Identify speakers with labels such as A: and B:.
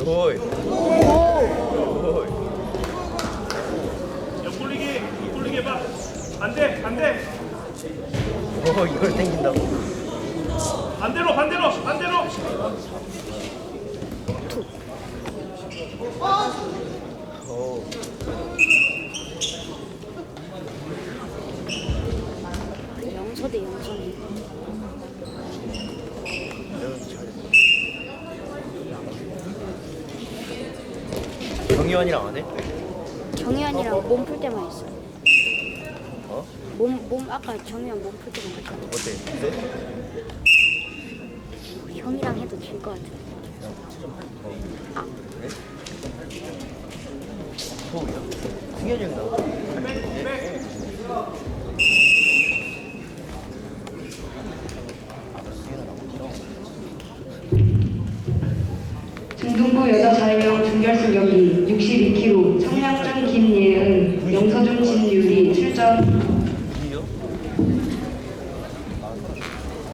A: 오이.
B: 옆돌리기 해봐. 반대.
A: 오, 이걸 땡긴다고.
B: 반대로.
A: 오.
C: 영서대 영선이.
A: 경희원이랑 안 해?
C: 정희환이랑 몸 풀 때만 했어.
A: 어?
C: 몸 아까 정희환 몸 풀 때만 했어.
A: 어때? 네?
C: 형이랑 해도 질 것 같아.
A: 그래? 호우야? 승현이 형 나와.
D: 중등부 여자 4명 준결승 경기 62kg